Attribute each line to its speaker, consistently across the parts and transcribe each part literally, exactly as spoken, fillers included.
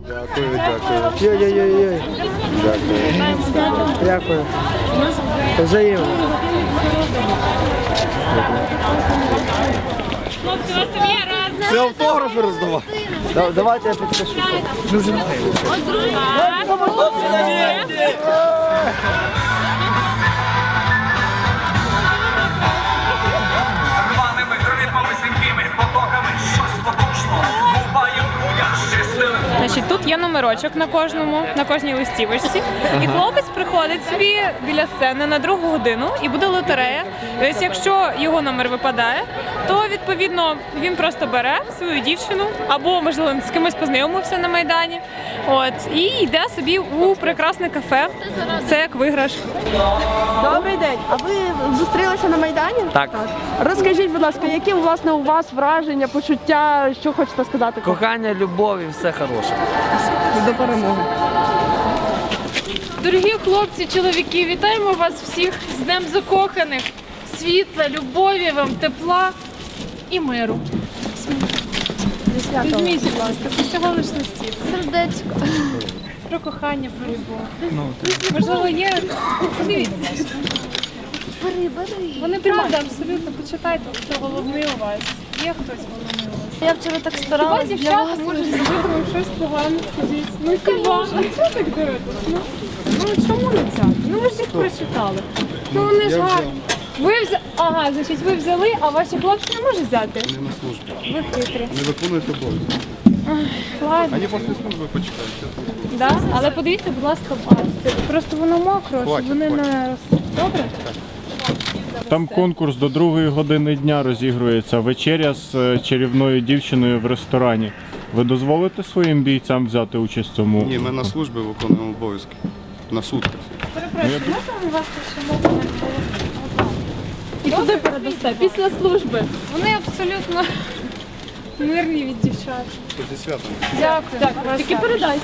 Speaker 1: Дякую, дякую.
Speaker 2: Йой-йой-йой.
Speaker 1: Дякую.
Speaker 2: Дякую. Взаємно.
Speaker 3: Хлопці, у вас там є раз.
Speaker 1: Це автографи роздавати.
Speaker 2: Да- Давайте я підпишу. Дуже мило.
Speaker 4: Рваними ритмами, стрімкими потоками, щось потужно, буває я щасливим.
Speaker 3: Значить, тут є номерочок на кожному, на кожній листівочці. І хлопець приходить собі біля сцени на другу годину і буде лотерея. І ось якщо його номер випадає, то відповідно він просто бере свою дівчину або, можливо, з кимось познайомився на Майдані. От, і йде собі у прекрасне кафе. Це як виграш.
Speaker 5: Добрий день. А ви зустрілися на Майдані?
Speaker 6: Так.
Speaker 5: Розкажіть, будь ласка, які власне у вас враження, почуття, що хочете сказати?
Speaker 6: Кохання, любов і все хороше.
Speaker 5: До перемоги.
Speaker 7: Дорогі хлопці, чоловіки, вітаємо вас всіх з Днем закоханих, світла, любові вам, тепла і миру. Візьміть, будь ласка, це всього лиш листів.
Speaker 5: Сердечко.
Speaker 7: Про кохання, про любов. Можливо, є. Подивіться.
Speaker 5: Бери, бери.
Speaker 7: Вони правда, абсолютно. Почитайте, хто головний у вас. Є хтось головний у вас.
Speaker 5: Я вчора так
Speaker 7: Хіба
Speaker 5: старалась для
Speaker 7: дівчата
Speaker 5: вас.
Speaker 7: можуть зробити вам щось погане, скажіть? Ну хіба? Ну чого так дивитесь? Ну, ну чому не взяти? Ну ви ж їх прочитали. Ну вони ж гарні. Ви взяли, ага, значить ви взяли, а ваші хлопці не можуть взяти?
Speaker 1: Не на службі.
Speaker 7: Ви хитрі.
Speaker 1: Не виконуєте обов'язки.
Speaker 7: Ладно,
Speaker 1: Вони після служби почекають.
Speaker 7: да? Але подивіться, будь ласка, бачите. Просто воно мокро, щоб
Speaker 1: Хватить,
Speaker 7: вони не роз... Добре?
Speaker 8: Там конкурс до другої години дня розігрується. Вечеря з е, чарівною дівчиною в ресторані. Ви дозволите своїм бійцям взяти участь в цьому?
Speaker 1: Ні, ми на службі виконуємо обов'язки. На сутках.
Speaker 7: Перепрошую, можна у вас ще мову? І туди передасте, після служби. Вони абсолютно мирні від дівчат.
Speaker 1: Зі святом.
Speaker 7: Дякую. Так, тільки передайте.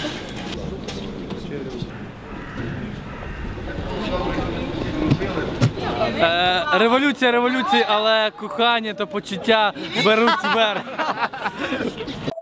Speaker 6: Е, революція, революція, але кохання та почуття беруть верх.